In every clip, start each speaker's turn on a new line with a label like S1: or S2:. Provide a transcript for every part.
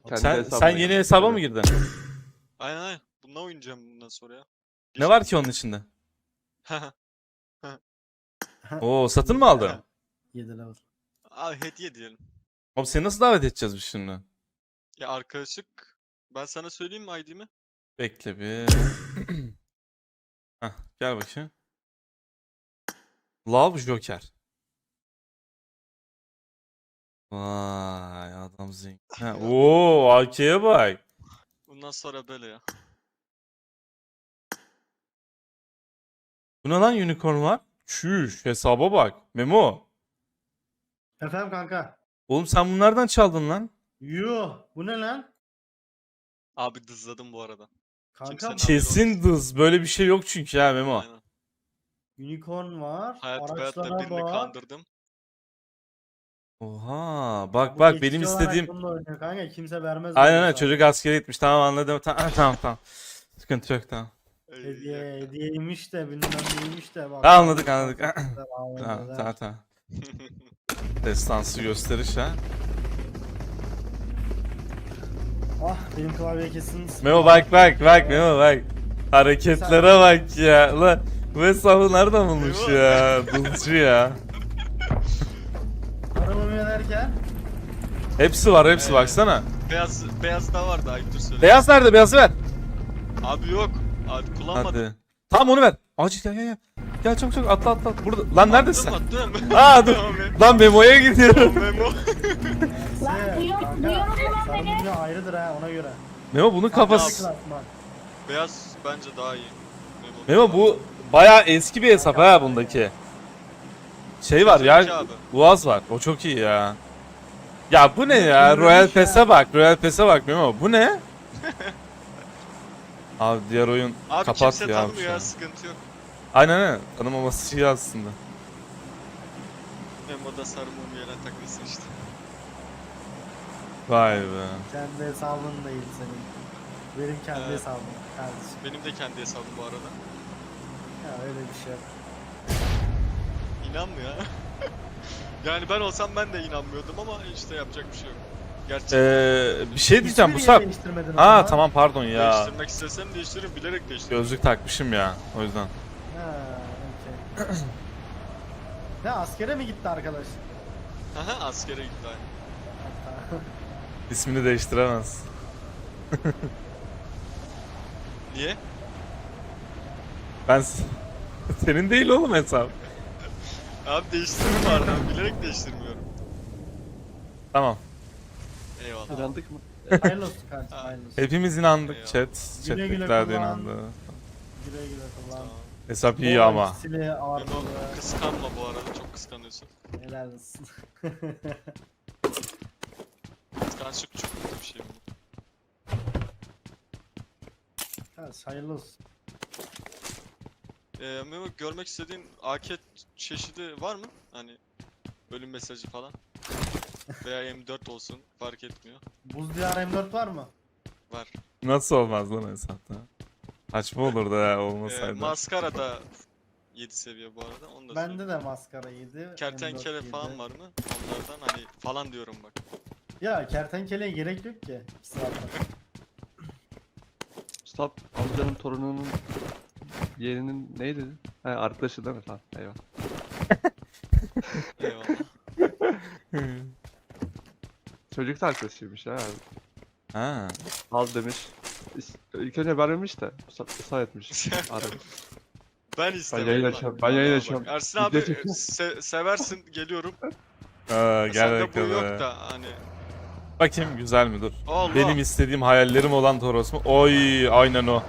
S1: Kendi
S2: Sen
S1: hesabına
S2: yeni
S1: girdim.
S2: hesaba mı girdin?
S3: Aynen aynen. Bununla oynayacağım bundan sonra ya.
S2: Ne var ki onun içinde? Oo, satın mı aldın?
S4: 7 level.
S3: Abi hediye diyelim.
S2: Oğlum seni nasıl davet edeceğiz biz şimdi?
S3: Ya arkadaşlık. Ben sana söyleyeyim mi ID'mi?
S2: Bekle bir. Heh, gel bakayım. Love Joker. Vay adam zengin. Ha, oo AK'ye bak.
S3: Bundan sonra böyle ya.
S2: Bu ne lan unicorn var? Çüş hesaba bak. Memo.
S4: Efendim kanka.
S2: Oğlum sen bunlardan çaldın lan.
S4: Yuh. Bu ne lan?
S3: Abi dızladım bu arada.
S4: Kanka
S3: Kimsenin
S2: Kesin dız. Böyle bir şey yok çünkü ya Memo.
S3: Aynen.
S4: unicorn var.
S3: Hayatta
S4: Araçlara
S3: birini
S4: bak.
S3: kandırdım.
S2: Oha bak
S4: Bu
S2: bak
S4: geçici
S2: benim
S4: olarak
S2: istediğim.
S4: bununla oynuyor kanka. Kimse vermez.
S2: Aynen
S4: bunu
S2: aynen
S4: sana.
S2: çocuk askere gitmiş. Tamam anladım. Tamam tamam tamam. Sıkıntı yok tamam.
S4: Hediyeymiş de bilmem neymiş de. Bak,
S2: Ha, anladık, anladık.
S4: Anladık.
S2: Tamam tamam. Destansı gösteriş ha.
S4: Ah benim klavye kesin.
S2: Memo bak Memo bak. Hareketlere bak ya. Ulan bu hesabı nereden bulmuş
S3: Memo.
S2: ya? Dulcu ya.
S4: Arabamı yönerken.
S2: Hepsi var baksana.
S3: Beyaz da vardı Ayıptır söyle.
S2: Beyaz nerede? Beyazı ver.
S3: Abi yok. Abi kullanmadım.
S2: Hadi. Tamam onu ver. Acil gel. Gel çabuk atla. Burada. Lan neredesin?
S3: Attım.
S2: Aa dur. Lan Memo'ya gidiyorum.
S3: Memo.
S5: Lan duyuyor musun lan beni?
S4: Sarı ayrıdır ha ona göre.
S2: Memo bunun kafası.
S4: Klasman.
S3: Beyaz bence daha iyi.
S2: Memo bu bayağı eski bir hesap ha bundaki. Şey var
S3: Sezonki
S2: ya.
S3: abi.
S2: Boğaz var. O çok iyi ya. Ya bu ne ya?
S4: Bilmiyorum
S2: Royal
S4: ya.
S2: Pass'e bak Memo. Bu ne? Abi diğer oyun
S3: Abi
S2: kapat
S3: kimse
S2: ya.
S3: tanımıyor
S2: şu an.
S3: ya sıkıntı yok.
S2: Aynen. Tanımaması iyi aslında.
S3: Memo da sarı mum yerine takılsın işte.
S2: Vay be.
S4: Kendi hesabın değil senin. Benim kendi
S3: Evet.
S4: hesabım kardeşim.
S3: Benim de kendi hesabım bu arada.
S4: Ya öyle bir şey yok.
S3: İnanmıyor ha. Yani ben olsam ben de inanmıyordum ama işte yapacak bir şey yok. Gerçi
S2: Bir şey diyeceğim bu
S4: İsmini
S2: sap.
S4: niye değiştirmedin o
S2: Aa
S4: zaman?
S2: tamam pardon ya.
S3: değiştirmek istesem değiştiririm, bilerek değiştiririm.
S2: Gözlük takmışım ya. O yüzden.
S4: Ha, okey. Ne askere mi gitti arkadaş?
S3: Haha askere gitti aynı.
S4: Hatta.
S2: İsmini değiştiremez.
S3: Niye?
S2: Ben senin değil oğlum hesap.
S3: Abi değiştiririm var ben bilerek değiştirmiyorum.
S2: Tamam.
S3: Eyvallah.
S1: İnandık mı?
S4: Hayırlı olsun kardeşim hayırlı olsun.
S2: Hepimiz inandık
S3: Eyvallah.
S2: chat.
S4: Güle güle
S2: Chat'tekiler de
S4: kullan.
S2: inandı.
S4: Güle güle kullan.
S3: Tamam.
S2: Hesap iyi ama.
S4: İkisini
S3: Memo
S4: artılı.
S3: kıskanma bu arada, çok kıskanıyorsun.
S4: Helal olsun.
S3: Kıskançlık çok kötü bir şey bu.
S4: Kardeş hayırlı olsun.
S3: Memo görmek istediğin AK çeşidi var mı? Hani ölüm mesajı falan. Veya M4 olsun fark etmiyor.
S4: Buz diyar M4 var mı?
S3: Var.
S2: Nasıl olmaz lan hesapta? Saçma olur da ya olmasaydı.
S3: Maskara da 7 seviye bu arada. Onu da söyleyeyim.
S4: Bende de maskara 7.
S3: Kertenkele
S4: M4
S3: falan
S4: 7.
S3: var mı? Onlardan hani falan diyorum bak.
S4: Ya kertenkeleye gerek yok ki. Sıradan.
S1: Stop amcanın torununun yeğeninin neydi? He arkadaşı değil mi? Tamam eyvallah.
S3: Eyvallah.
S1: Çocuk da arkadaşıymış ha.
S2: Ha.
S1: Al demiş. İlk önce vermemiş de ısrar etmiş. Aramış.
S3: Ben istemedim.
S1: yayın
S3: lan.
S1: açıyorum, ben yayın
S3: Vallahi
S1: açıyorum.
S3: bak, Ersin
S1: Video
S3: abi
S1: çekiyorum.
S3: seversin geliyorum.
S2: Aa, gel
S3: Sende bu yok
S2: bakalım.
S3: da hani.
S2: Bakayım güzel mi dur.
S3: Allah.
S2: Benim istediğim hayallerim olan Toros mu? Oy aynen o.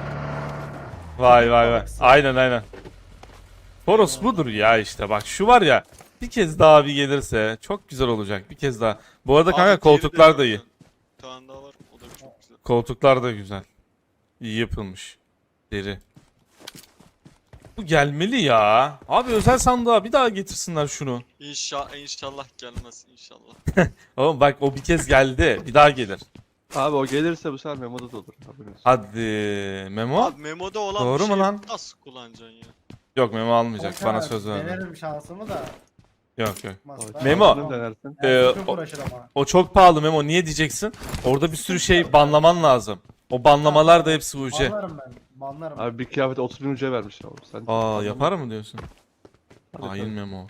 S2: Vay. Aynen. Toros budur ya işte bak şu var ya. Bir kez daha bir gelirse çok güzel olacak bir kez daha. Bu arada
S3: Abi
S2: kanka
S3: diğeri de
S2: koltuklar da iyi.
S3: yok. Bir tane daha var. O da çok güzel.
S2: Koltuklar da güzel. İyi yapılmış. Deri. Bu gelmeli ya. Abi özel sandığa bir daha getirsinler şunu.
S3: İnşallah gelmez inşallah.
S2: Oğlum bak o bir kez geldi. Bir daha gelir.
S1: Abi o gelirse bu sefer Memo'da da olur. Haberin olsun.
S2: Hadi Memo.
S3: Abi Memo'da olan
S2: Doğru
S3: bir
S2: mu
S3: şeyi
S2: lan?
S3: nasıl kullanacaksın ya?
S2: Yok Memo almayacak.
S4: Kanka,
S2: Bana söz verdi.
S4: Denerim şansımı da.
S2: Yok yok.
S4: Masa.
S2: Memo.
S1: Altını denersin.
S4: Çok
S2: o-
S4: uğraşır ama.
S2: O çok pahalı Memo. Niye diyeceksin? Orada bir sürü şey banlaman lazım. O banlamalar da hepsi UC.
S4: Banlarım ben. Banlarım.
S1: Abi bir kıyafet 30.000 ucuya vermiş abi. Sen
S2: Aa yapar mı diyorsun?
S1: Hadi
S2: Hain
S1: tabii.
S2: Memo.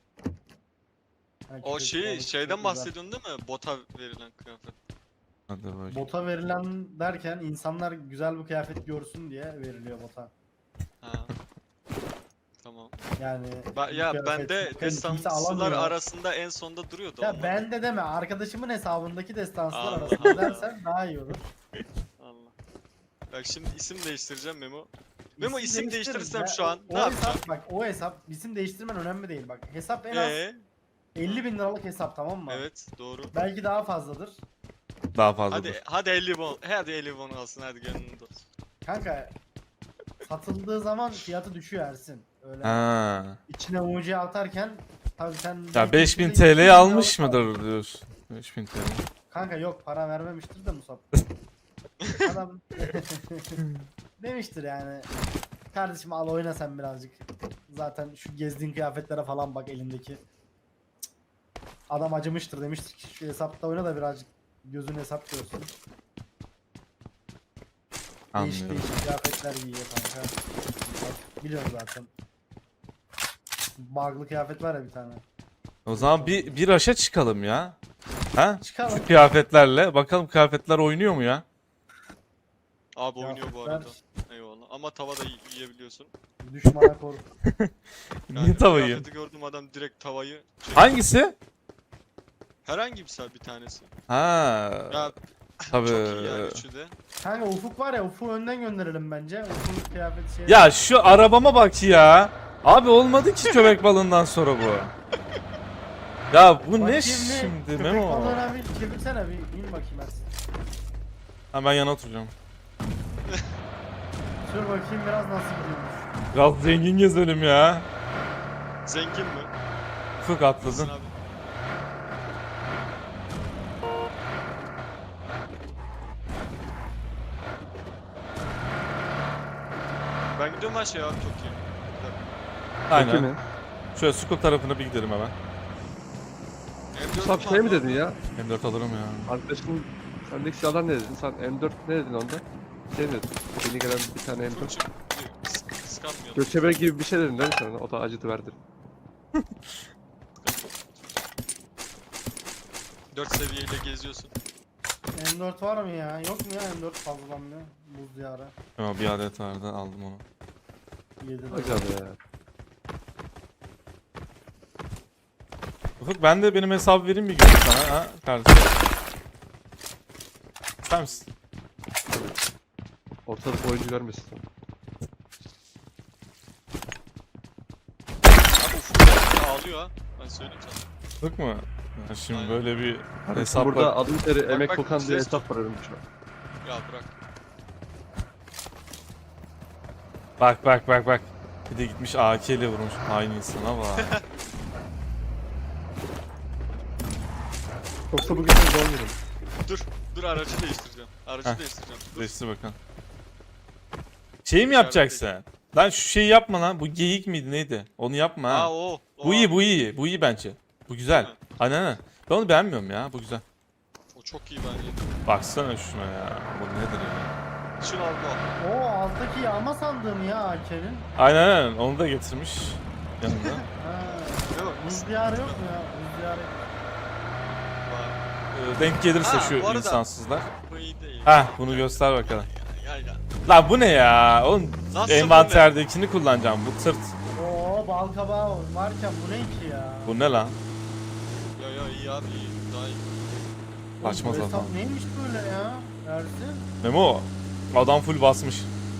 S4: Yani
S3: O
S4: küçük
S3: şeyi
S4: balık
S3: şeyden
S4: çok güzel.
S3: bahsediyorsun değil mi? Bota verilen kıyafet.
S2: Hadi bak.
S4: Bota verilen derken insanlar güzel bir kıyafet görsün diye veriliyor bota.
S3: Ha. Tamam.
S4: Yani
S3: Ya
S4: kıyafet
S3: bende
S4: kimse
S3: destansçılar
S4: alamıyor.
S3: arasında en sonda duruyordu
S4: Ya
S3: onlar.
S4: bende deme, arkadaşımın hesabındaki destanslar
S3: Allah
S4: arasında
S3: Allah.
S4: dersen daha iyi olur.
S3: Allah. Bak şimdi isim değiştireceğim Memo. Memo isim
S4: değiştiririz
S3: değiştirirsem
S4: ya.
S3: şu an
S4: O
S3: ne yapacağım?
S4: hesap, bak o hesap isim değiştirmen önemli değil bak. Hesap en az 50 bin liralık hesap, tamam mı?
S3: Evet doğru.
S4: Belki daha fazladır.
S2: Daha fazla.
S3: Hadi 50 won. Hadi 50 won alsın hadi gönlünde olsun.
S4: Kanka satıldığı zaman fiyatı düşüyor Ersin. Öyle
S2: Ha.
S4: içine UC atarken tabii sen
S2: Ya
S4: belki
S2: 5000
S4: içinde 200 bin
S2: TL'yi
S4: liralık
S2: almış
S4: aldın.
S2: mıdır diyorsun? 5000 TL.
S4: Kanka yok, para vermemiştir de Musab. Adam demiştir yani. Kardeşim al oyna sen birazcık. Zaten şu gezdiğin kıyafetlere falan bak elindeki. Adam acımıştır, demiştir ki şu hesapta oyna da birazcık gözün hesap görsün. Değişik
S2: Anlıyorum.
S4: değişik kıyafetler giyiyor kanka. Biliyorum zaten. Bug'lı kıyafet var ya bir tane.
S2: O zaman bir aşa çıkalım ya. Ha?
S4: Çıkalım.
S2: Şu kıyafetlerle. Bakalım kıyafetler oynuyor mu ya?
S3: Abi oynuyor bu
S4: Kıyafetler,
S3: arada. Eyvallah. Ama tavada yiyebiliyorsun.
S4: düşmana korku.
S2: Niye
S3: Yani
S2: tavayı?
S3: kıyafeti gördüm adam direkt tavayı çekti.
S2: Hangisi?
S3: Herhangi bir tanesi.
S2: Ha.
S3: Ya
S2: Tabii.
S3: çok iyi yani üçü de.
S4: Kanka Ufuk var ya, Ufuk'u önden gönderelim bence. Ufuk'un kıyafeti şey.
S2: Ya şu arabama bak ya. Abi olmadı ki köpek balığından sonra bu. Ya bu ne
S4: Bakayım
S2: şimdi
S4: Köpek
S2: Memo?
S4: balığına bir çevirsene, bir in bakayım Ersin.
S2: Ha ben yana oturacağım.
S4: Sür bakayım biraz nasıl gidiyormuş.
S2: Biraz zengin gezelim ya.
S3: Zengin mi?
S2: Ufuk
S3: Haklısın
S2: atladın.
S3: abi. Ben gidiyorum her şey abi çok iyi.
S2: Aynen.
S1: Peki mi?
S2: Şöyle Sukul tarafına bir gidelim hemen.
S1: Musab şey mi dedin ya?
S2: M4 alırım ya.
S1: Arkadaşın sendeki silahlar ne dedin? Sen M4 ne dedin onda? Şey mi dedin? Yeni gelen bir tane M4.
S3: Turçuk kıskanmıyor.
S1: Göçebe gibi bir şey dedin değil mi sen? O da acıdı verdi.
S3: 4 seviyeyle geziyorsun.
S4: M4 var mı ya? Yok mu ya M4 fazlalanmıyor? Buz diyarı.
S2: Ama bir adet vardı aldım onu.
S4: 7
S1: Acaba ya.
S2: Ufuk ben de benim hesabı vereyim bir gün sana ha kardeşim. İster misin?
S1: Ortalık oyuncu görmesin.
S3: Abi Ufuk ağlıyor ha. Ben söyleyeyim sana.
S2: Ufuk mu? Ya şimdi
S3: Aynen.
S2: böyle bir
S1: Burada
S2: hesapla...
S1: adım teri emek
S3: bak,
S1: kokan diye
S3: ses-
S1: hesap var önümde şu an.
S3: Ya bırak.
S2: Bak. Bir de gitmiş AK ile vurmuş. Aynı insana bak.
S1: Yoksa bugün sen doğum günün.
S3: Dur aracı değiştireceğim. Aracı
S2: Heh.
S3: değiştireceğim. Dur.
S2: Değiştir bakalım. Şey mi yapacaksın? Lan şu şeyi yapma lan. Bu geyik miydi neydi? Onu yapma ha.
S3: Aa o.
S2: Bu iyi. Bu iyi bence. Bu güzel.
S3: Değil mi?
S2: Aynen. Ben onu beğenmiyorum ya. Bu güzel.
S3: O çok iyi bence.
S2: Baksana şuna ya. Bu nedir ya?
S3: Şunu al bu.
S4: O alttaki yağma sandığım ya AK'nin.
S2: Aynen. Onu da getirmiş. Yanında.
S4: Ha.
S3: Değil mi?
S4: Buz diyarı yok mu ya? Buz diyarı.
S3: Vay.
S2: Denk gelirse
S3: Ha,
S2: şu
S3: bu arada-
S2: insansızlar.
S3: Bu iyi değil.
S2: Heh bunu göster bakalım.
S3: Gel.
S2: Lan bu ne ya? Oğlum
S3: Nasıl
S2: envanterdekini kullanacağım. Bu tırt.
S4: Oo bal kabağı varken bu ne ki ya?
S2: Bu ne lan?
S3: Ya iyi abi iyi. Daha iyi.
S4: Oğlum,
S2: Açmaz
S4: bu
S2: adam.
S4: hesap neymiş böyle ya? Ersin.
S2: Memo. Adam full basmış.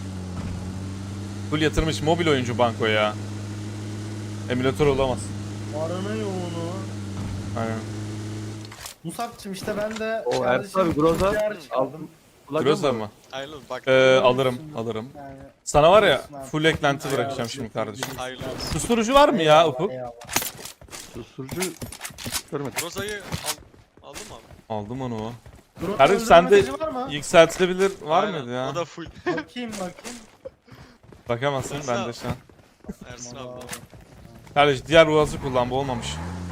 S2: Full yatırmış mobil oyuncu bankoya ya. Emülatör olamaz.
S4: Paranı yoğunu.
S2: Aynen.
S4: Musab'cım işte ben de
S1: O
S4: kardeşim
S1: Ersin abi Groza
S4: buz diyarı çıkardım.
S1: aldım.
S2: Groza mı?
S3: Hayırlı olsun. Bak.
S2: Alırım.
S4: Yani
S2: Sana var ya
S4: Olsun abi.
S2: full eklenti
S4: Eyvallah.
S2: bırakacağım şimdi kardeşim.
S3: Hayırlı olsun.
S2: Susturucu var mı ya
S4: Eyvallah,
S2: Ufuk?
S4: eyvallah.
S1: Susturucu görmedim.
S3: Roza'yı aldın mı abi?
S2: Aldım onu.
S4: Groza
S2: Kardeşim
S4: öldürme
S2: sende
S4: mesajı var mı?
S2: yükseltilebilir var
S3: Aynen,
S2: mıydı ya?
S3: O da full.
S4: Bakayım.
S2: Bakamazsın
S3: Ersin
S2: bende
S3: abi.
S2: şu an.
S3: Ersin abi.
S4: Vallahi.
S2: Kardeş diğer ruhası kullan bu olmamış.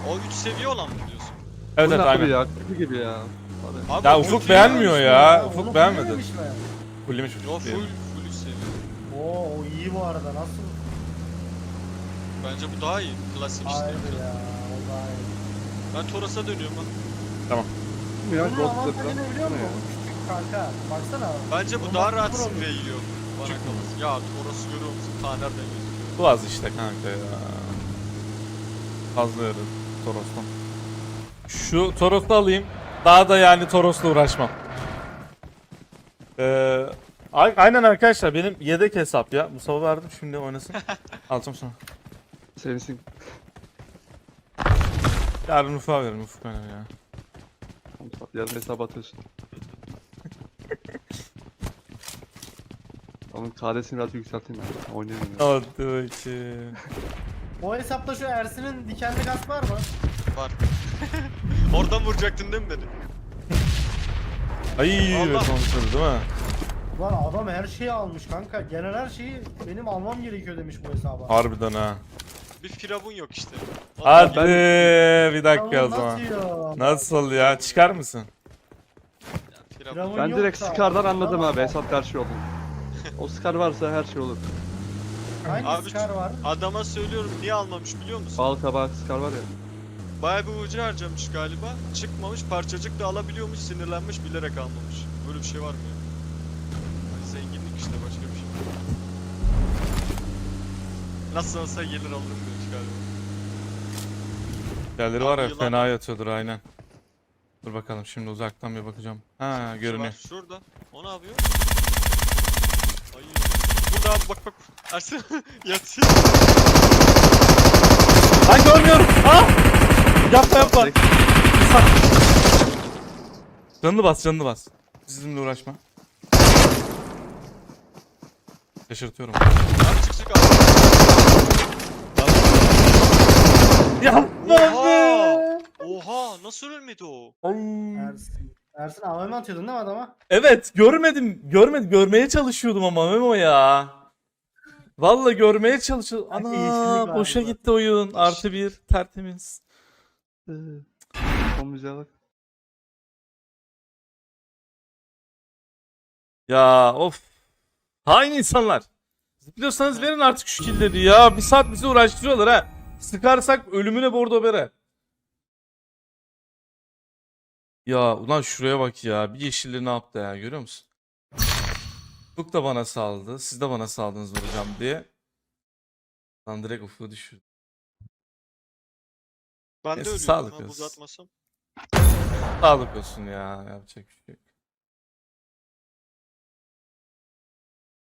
S3: O 3 seviye olan mı diyorsun?
S2: Evet
S1: Bu
S2: evet
S1: ne abi
S2: aynen.
S1: ya? Kötü gibi ya. Hadi.
S3: Abi
S2: Ya
S3: o
S2: Ufuk
S3: full
S2: beğenmiyor
S3: seviye.
S2: ya.
S4: Onu
S2: Ufuk beğenmedi.
S4: fullememiş mi?
S2: Fullemiş
S3: Yo
S2: Ufuk diye.
S3: full seviye.
S4: Oo o iyi bu arada nasıl?
S3: Bence bu daha iyi. Klasik işte.
S4: Hayır ya o daha iyi.
S3: Ben Toros'a dönüyorum ha.
S1: Ya,
S4: Bunun
S1: Ghost
S4: avantajını
S1: Rider
S4: biliyor
S1: ne
S4: musun?
S1: ya?
S4: Küçük kanka baksana.
S3: Bence bu
S4: Bunun
S3: daha
S4: avantajı
S3: rahat
S4: pro
S3: sprey yiyor. Bana kalırsa. Ya Toros'u görüyor musun? Taner demiyorsun.
S2: Bu az işte kanka ya. Fazla yarı Toros'tan. Şu Toros'u alayım. Daha da yani Toros'la uğraşmam. Aynen arkadaşlar benim yedek hesap ya. Mustafa verdim şimdi oynasın. Alacağım sonra.
S1: Sevinsin.
S2: Yarın Ufuk'a veririm Ufuk oynar ya.
S1: Yarın hesap atıyorsun. Onun KD'sini biraz yükselteyim ya. Oynayayım ya.
S2: Hadi bakayım.
S4: O hesapta şu Ersin'in dikenli gaz var mı?
S3: Var. Oradan vuracaktın değil mi beni?
S2: Ay
S3: Allah.
S2: evet onu söyledi değil mi?
S4: Lan adam her şeyi almış kanka. Genel her şeyi benim almam gerekiyor demiş bu hesaba.
S2: Harbiden ha.
S3: Bir firavun yok işte.
S2: Hadi bir
S4: Ya
S2: dakika o
S4: bu
S2: zaman.
S4: nasıl ya?
S2: Nasıl ya? Çıkar mısın?
S3: Firavun.
S4: Firavun
S1: Ben
S4: yok
S1: direkt
S4: da.
S1: Scar'dan anladım
S4: Tamam.
S1: abi. Hesap her şey oldu. O Scar varsa her şey olur.
S4: Hangi
S3: Abi
S4: Scar var?
S3: Adama söylüyorum niye almamış biliyor musun?
S1: Bal kabağı Scar var ya.
S3: Bayağı bir ucu harcamış galiba. Çıkmamış, parçacık da alabiliyormuş, sinirlenmiş, bilerek almamış. Böyle bir şey var mı ya? Hani zenginlik işte, başka bir şey. Nasıl olsa gelir alırım demiş galiba.
S2: Yerleri var ya
S3: Yılan.
S2: fena yatıyordur aynen. Dur bakalım şimdi uzaktan bir bakacağım. Ha
S3: Şu
S2: görünüyor.
S3: var, şurada. O ne yapıyor? Ay. Burada abi, bak bak. Ersin yatıyor.
S2: Lan görmüyorum. Ah! Yapma yapma.
S1: Direkt
S2: Canını bas canını bas. Sizinle uğraşma. Şaşırtıyorum.
S3: Abi çık çık abi.
S2: Yapma
S3: Oha!
S2: be.
S3: Oha! Nasıl ölmedi o?
S2: Ay.
S4: Ersin. Ersin AVM atıyordun değil mi adama?
S2: Evet görmedim. Görmeye çalışıyordum ama Memo ya. Vallahi görmeye çalışıyordum.
S4: Belki
S2: Ana
S4: yeşillik
S2: boşa
S4: vardı.
S2: gitti oyun. Artı bir tertemiz.
S1: o müziğe bak.
S2: Ya of. Hain insanlar. Zıplıyorsanız verin artık şu killeri ya. Bir saat bizi uğraştırıyorlar ha. Sıkarsak ölümüne bordo bere. Ya ulan şuraya bak ya. Bir yeşilli ne yaptı ya görüyor musun? Ufuk da bana saldı. Siz de bana saldınız vuracağım diye. Lan direkt Ufuk'u düşürdü.
S3: Ben de
S2: Neyse,
S3: ölüyorum
S2: sağlık
S3: ha
S2: olsun.
S3: buz atmasam.
S2: Sağlık olsun ya. Yapacak bir şey yok.